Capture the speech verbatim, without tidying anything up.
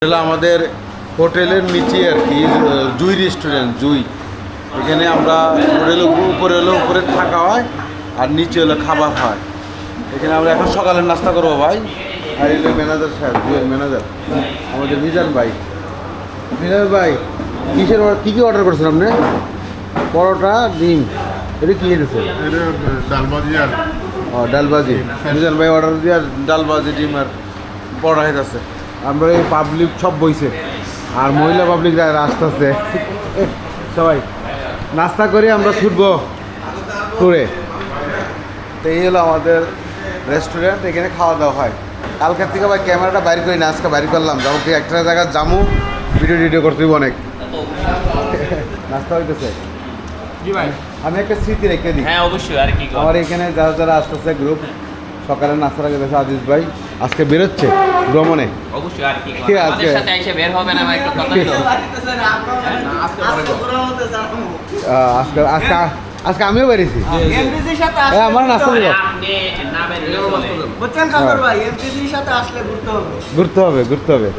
এটা আমাদের হোটেলের নিচে আর কি জুই রেস্টুরেন্ট জুই। এখানে আমরা হোটেলের উপরে হলো উপরে থাকা হয় আর নিচে হলো খাবার হয়। এখানে আমরা এখন সকালের নাস্তা করবো ভাই। আর এলো ম্যানেজার সাহেব, জুয়ের ম্যানেজার আমাদের মিজান ভাই। মিজান ভাই কিসের কী কী অর্ডার করছেন আপনি? পরোটা, ডিম, এটা কী এনেছে? ডালবাজি আর ও ডালবাজি। মিজান ভাই অর্ডার দিয়ে আর ডালবাজি, ডিম আর পরোটা খাইতেছে। আমরা এই পাবলিক সব বইছে আর মহিলা পাবলিক আসতেছে সবাই নাস্তা করে আমরা ছুটবো ট্যুরে। তো এই হলো আমাদের রেস্টুরেন্ট, এখানে খাওয়া দাওয়া হয়। কালকের থেকে ভাই ক্যামেরাটা বাইর করি না, আজকে বাইর করলাম। যাবো কি একটা জায়গায় যাবো, ভিডিও টিডিও করতে হইব অনেক। নাস্তা হইতেছে জি ভাই, আমি একটা স্মৃতি রেখে দিই। হ্যাঁ অবশ্যই। আর কি আমার এখানে যারা যারা আসতেছে গ্রুপ, সকালে নাস্তা রেখে দিয়েছে আজিজ ভাই, আজকে বেরোচ্ছে ভ্রমণে। অবশ্যই। আর কি কে আছে? আমাদের সাথে এসে বের হবে না ভাই, একটু কথা হলো। আহ, আজকে আজকে আজকে আমিও বেরিয়েছি। এমপিসির সাথে এ, আসলে আমার নাস্তা দিব, আপনি না বের হলে চলে। বুঝছেন খাবার ভাই, এমপিসির সাথে আসলে ঘুরতে হবে। ঘুরতে হবে ঘুরতে হবে